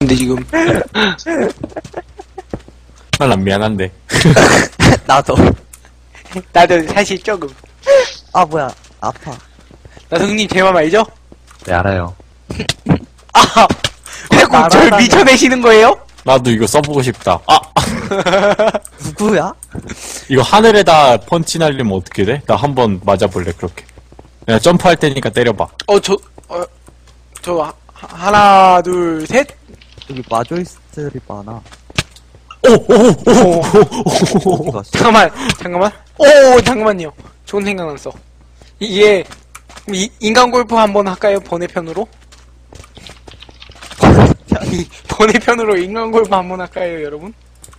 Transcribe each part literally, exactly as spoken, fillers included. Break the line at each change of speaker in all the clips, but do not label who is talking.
근데 지금
난 미안한데.
나도.
나도 사실 조금.
아, 뭐야. 아파.
나성님 제 맘 알죠?
네, 알아요.
아, 자꾸 절
날아다녀.
미쳐내시는 거예요?
나도 이거 써보고 싶다. 아!
누구야?
이거 하늘에다 펀치 날리면 어떻게 돼? 나 한번 맞아볼래, 그렇게. 내가 점프할 테니까 때려봐.
어, 저, 어, 저, 하, 하나, 둘, 셋?
여기 마조이스트들이 많아.
오! 오! 오! 오!
어디 갔어?
잠깐만, 잠깐만. 오, 잠깐만요. 좋은 생각 났어. 이게, 이, 인간 골프 한번 할까요? 번외편으로? 이, 번외편으로 인간 골프 한번 할까요, 여러분?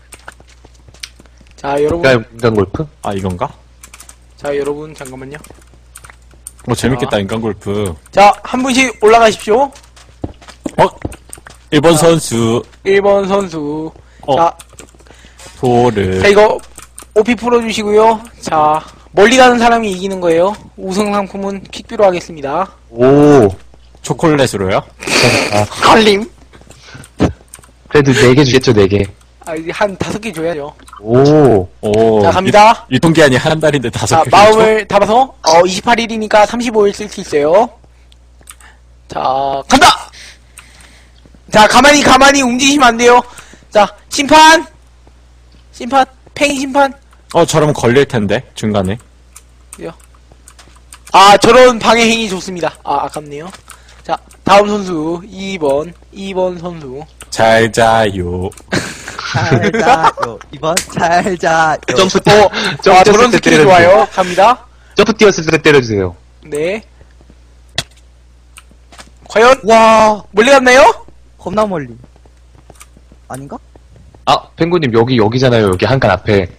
자, 여러분.
인간, 인간 골프?
아, 이건가?
자, 여러분, 잠깐만요.
어, 재밌겠다, 인간 골프.
자, 한 분씩 올라가십시오.
어? 일 번 선수,
일 번 선수.
어.
자,
도를.
자, 이거, 오피 풀어주시고요. 자, 멀리 가는 사람이 이기는 거예요. 우승 상품은 퀵비로 하겠습니다.
오.
초콜릿으로요?
걸림!
그래도 네 개 주겠죠, 네 개.
아, 이제 한 다섯 개 줘야죠.
오.
오.
자, 갑니다.
유, 유통기한이 한 달인데 다섯
자,
개.
마음을 담아서, 어, 이십팔 일이니까 삼십오 일 쓸 수 있어요. 자, 간다! 자, 가만히, 가만히 움직이시면 안 돼요. 자, 심판! 심판, 팽이 심판.
어, 저러면 걸릴 텐데, 중간에.
아, 저런 방해 행위 좋습니다. 아, 아깝네요. 자, 다음 선수, 이 번, 이 번 선수.
잘 자요.
잘 자요. 이번 잘 자요.
점프,
어,
점프
아,
뛰었을
저런
때
스킬이
때려주세요.
좋아요. 갑니다.
점프 뛰었을 때 때려주세요.
네. 과연,
와,
멀리 갔나요?
겁나 멀리. 아닌가?
아, 펭구님, 여기, 여기잖아요. 여기 한칸 앞에.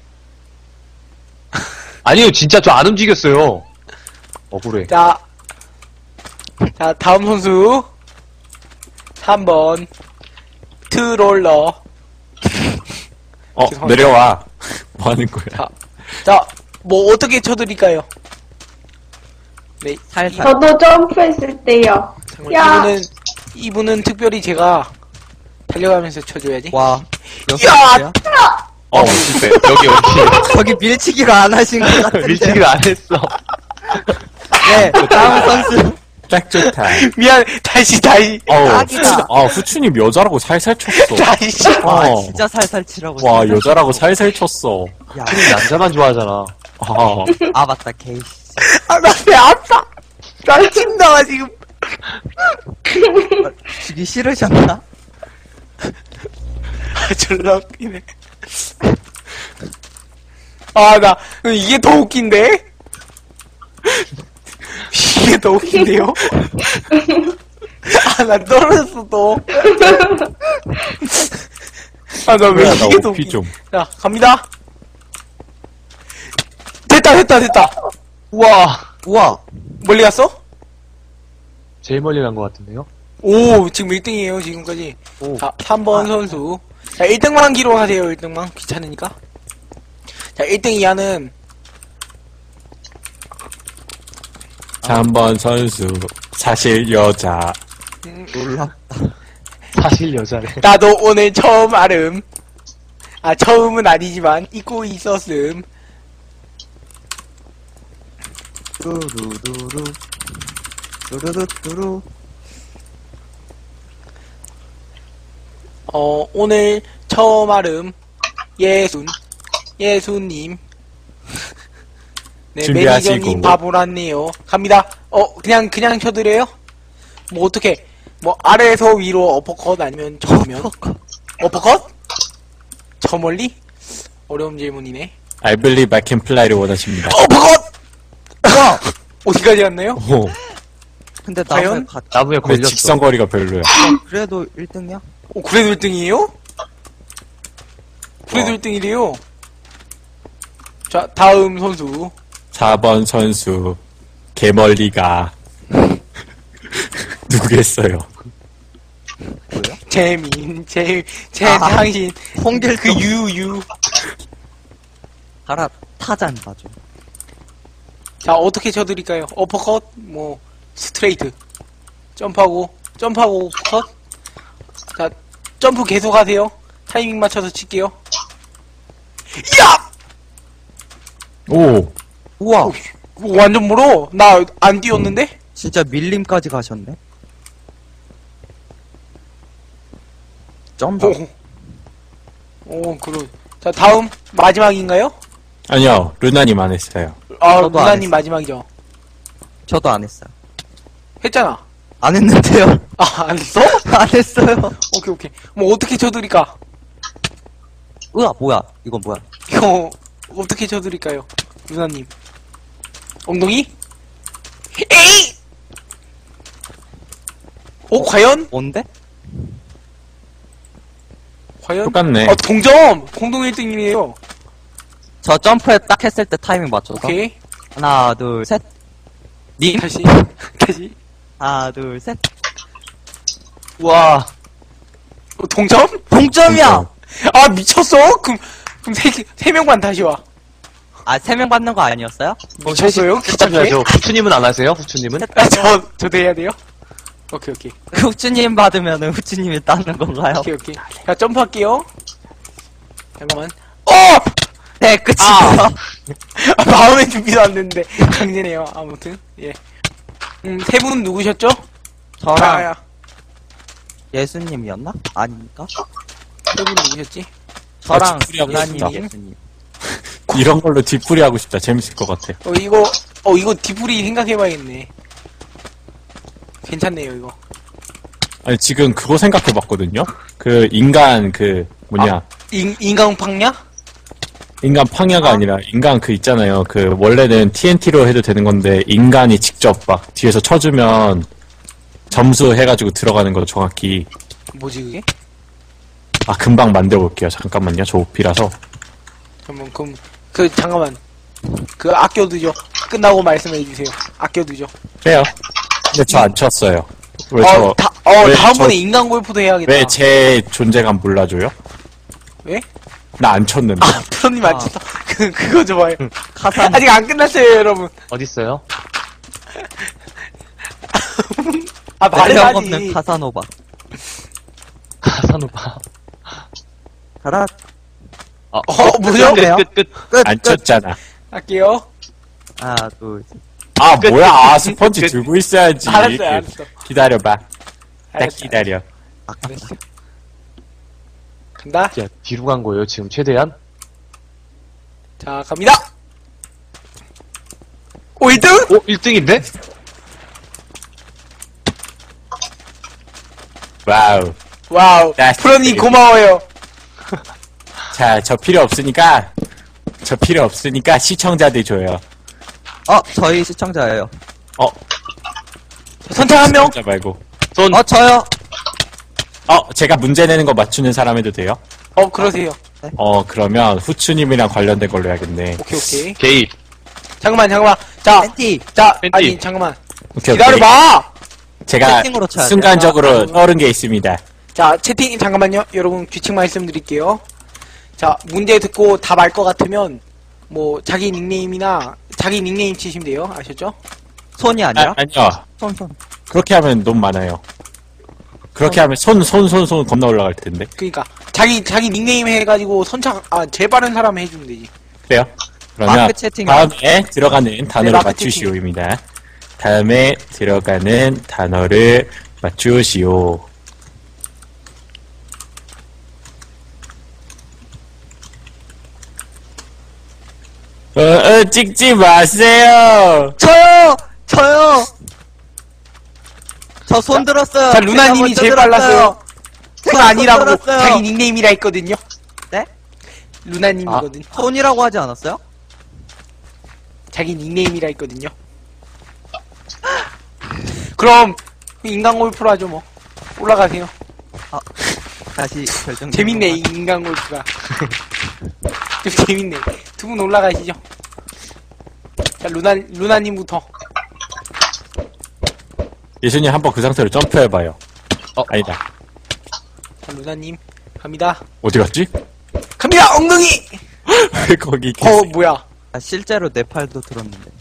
아니요, 진짜 저 안 움직였어요. 억울해.
자, 자, 다음 선수. 삼 번. 트롤러.
어,
죄송합니다.
내려와. 뭐 하는 거야?
자, 자, 뭐, 어떻게 쳐드릴까요? 네,
살살.
저도 점프했을 때요.
잠깐만,
야.
이분은, 이분은 특별히 제가 달려가면서 쳐줘야지.
와. 몇
야!
살이야?
어, 실패. 여기, 여기.
저기 밀치기로 안 하신 것 같은데.
밀치기를 안 했어.
네, 다음 선수.
딱 좋다.
미안, 다시, 다시.
어우,
딱이다.
후추, 아, 후추님 여자라고 살살 쳤어.
다시.
와,
어.
진짜 살살 치라고.
와,
살살
여자라고
치라고.
살살 쳤어.
야,
남자만 좋아하잖아.
아,
아, 맞다, 게이씨.
아, 나 배 아파. 나 침 나와, 지금.
주기 싫으셨나?
아, 졸라 웃기네. 아, 나, 이게 더 웃긴데? 이게 더 웃긴데요? 아, 나 떨어졌어, 또. 아, 나 왜
뭐야, 나
이게 더
오피
웃긴.
좀.
자, 갑니다. 됐다, 됐다, 됐다.
우와.
우와.
멀리 갔어?
제일 멀리 간 것 같은데요?
오, 지금 일 등이에요, 지금까지.
오.
자, 삼 번 선수. 자, 일 등만 기록하세요, 일 등만. 귀찮으니까. 자, 일 등 이하는,
삼 번 선수. 사실 여자.
놀랍다.
사실 여자래.
나도 오늘 처음 알음. 아, 처음은 아니지만, 잊고 있었음.
뚜루루루. 뚜루루뚜루.
어, 오늘 처음 알음. 예순. 예순님. 네,
준비하시고.
매니저님 바보랐네요. 갑니다. 어, 그냥, 그냥 쳐드려요? 뭐, 어떻게, 뭐, 아래에서 위로 어퍼컷 아니면 저면? 어퍼컷? 저 멀리? 어려운 질문이네.
I believe I can fly를 원하십니다.
어퍼컷!
우와!
어디까지 갔나요?
오,
근데
과연?
나무에 갔,
나무에
근데
걸렸어.
직선거리가 별로야.
그래도 일 등이야?
어, 그래도 일 등이에요? 그래도
어.
일 등이래요? 자, 다음 선수.
사 번 선수. 개멀리가. 누구겠어요?
뭐야?
재민, 재, 재,
아.
당신.
홍길동.
그 유, 유.
가라, 타잔 봐줘.
자, 어떻게 쳐드릴까요? 어퍼컷, 뭐, 스트레이트. 점프하고, 점프하고, 컷. 자, 점프 계속 하세요. 타이밍 맞춰서 칠게요. 야!
오,
우와,
오, 완전 멀어. 나 안 뛰었는데?
진짜 밀림까지 가셨네. 점프.
오. 오, 그러. 자, 다음. 마지막인가요?
아니요, 루나님 안 했어요.
아,
저도 안
루나님
했어요.
마지막이죠.
저도 안 했어요.
했잖아.
안 했는데요.
아, 안 했어?
안 했어요.
오케이, 오케이. 뭐, 어떻게 쳐드릴까?
으아, 뭐야. 이건 뭐야.
이거, 어떻게 쳐드릴까요? 루나님. 엉덩이? 에이! 오, 과연?
뭔데?
과연?
똑같네.
아, 동점! 공동 일 등이에요.
저 점프에 딱 했을 때 타이밍 맞춰서.
오케이.
하나, 둘, 셋. 님.
다시. 다시.
하나, 둘, 셋.
우와.
어, 동점?
동점이야!
아, 미쳤어? 그럼, 그럼 세, 개- 세 명만 다시 와.
아, 세 명 받는 거 아니었어요?
미쳤어요? 귀찮게?
해야죠. 후추님은 안 하세요? 후추님은?
아, 저, 저도 해야 돼요? 오케이, 오케이.
후추님 받으면은 후추님이 따는 건가요?
오케이, 오케이. 자, 점프할게요. 잠깐만. 어!
네, 끝이에요.
아, 마음의 준비도 안 됐는데. 강제네요. 아무튼. 예. 음, 세 분은 누구셨죠?
저랑
아, 야.
예수님이었나? 아닙니까?
세 분은 누구셨지?
저랑
뒷풀이하고
누나님이
싶다.
예수님.
이런 걸로 뒷풀이 하고 싶다. 재밌을 것 같아.
어, 이거, 어, 이거 디프리 생각해봐야겠네. 괜찮네요, 이거.
아니, 지금 그거 생각해봤거든요? 그, 인간, 그, 뭐냐.
인, 인간팡냐?
인간 팡야가 아니라, 인간 그 있잖아요. 그, 원래는 티엔티로 해도 되는 건데, 인간이 직접 막, 뒤에서 쳐주면, 점수 해가지고 들어가는 거 정확히.
뭐지, 그게?
아, 금방 만들어볼게요. 잠깐만요. 저 오피라서.
그러면, 그럼, 그, 잠깐만. 그, 아껴두죠. 끝나고 말씀해주세요. 아껴두죠.
그래요. 근데 저 안 쳤어요. 왜
어,
저,
다, 어,
왜
다음번에
저-
인간 골프도 해야겠다.
왜 제 존재감 몰라줘요?
왜?
나 안 쳤는데.
아, 프로님 안
아.
쳤어. 그, 그거 좋아요.
카산.
아직 안 끝났어요, 여러분.
어딨어요?
아,
매력 없는
말해야지.
카사노바.
가사노바.
가라.
아,
어, 뭐죠?
끝, 끝, 끝.
끝,
안
끝.
쳤잖아.
할게요.
하나, 둘, 셋.
아,
끝,
뭐야.
끝,
아,
끝,
스펀지
끝.
들고 있어야지.
알았어요, 알았어.
기다려봐. 딱
알았어,
기다려.
알았어. 간다.
야, 뒤로 간 거예요, 지금 최대한?
자, 갑니다. 오, 일 등?
오, 일 등인데?
와우.
와우.
야,
프로님
진짜.
고마워요.
자, 저 필요 없으니까, 저 필요 없으니까 시청자들 줘요.
어, 저희 시청자예요.
어,
선택 한 명.
시청자 말고.
손,
어, 저요.
어, 제가 문제 내는 거 맞추는 사람 해도 돼요?
어, 그러세요.
어, 그러면 후추님이랑 관련된 걸로 해야겠네.
오케이, 오케이.
게이.
잠깐만, 잠깐만. 자,
팬티.
자,
팬티.
아니, 잠깐만.
오케이, 오케이.
기다려봐!
제가
채팅으로 쳐야 돼요.
순간적으로
아,
떠오른 게 있습니다.
자, 채팅, 잠깐만요. 여러분, 규칙 말씀드릴게요. 자, 문제 듣고 답 알 것 같으면, 뭐, 자기 닉네임이나, 자기 닉네임 치시면 돼요. 아셨죠?
손이
아,
아니라?
아니요.
손, 손.
그렇게 하면 너무 많아요. 그렇게 하면 손, 손, 손, 손 겁나 올라갈 텐데.
그니까, 자기, 자기 닉네임 해가지고 선착, 아, 제일 빠른 사람 해주면 되지.
그래요? 그러면
마크 채팅.
다음에 들어가는 단어를
마크
맞추시오입니다. 다음에 들어가는 단어를 맞추시오. 어, 어, 찍지 마세요.
저요! 저요! 저 손 들었어요.
자, 루나님이
제가
제일
먼저
빨랐어요.
들었어요.
손
제가
아니라고,
손 들었어요.
자기 닉네임이라 했거든요.
네?
루나님이거든.
손이라고 하지 않았어요?
자기 닉네임이라 했거든요. 그럼, 인간 골프로 하죠, 뭐. 올라가세요.
다시 결정.
재밌네, 이 인간 골프가. 좀 재밌네. 두 분 올라가시죠. 자, 루나, 루나님부터.
예수님 한번 그 상태로 점프해봐요.
어.
아니다.
자, 루나님. 갑니다.
어디 갔지?
갑니다! 엉덩이!
왜 거기
어,
계세요?
뭐야.
아, 실제로 내 팔도 들었는데.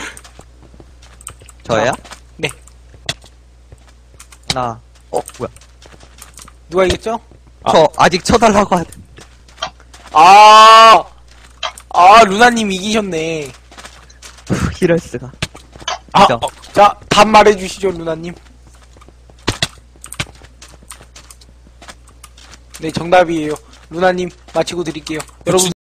저예요?
네.
나. 어, 뭐야?
누가 이겼죠?
저 아직 쳐달라고 하는.
아, 아, 루나님 이기셨네.
이럴 수가.
아,
그죠?
어, 자, 답 말해주시죠, 루나님. 네, 정답이에요. 루나님, 마치고 드릴게요. 여러분.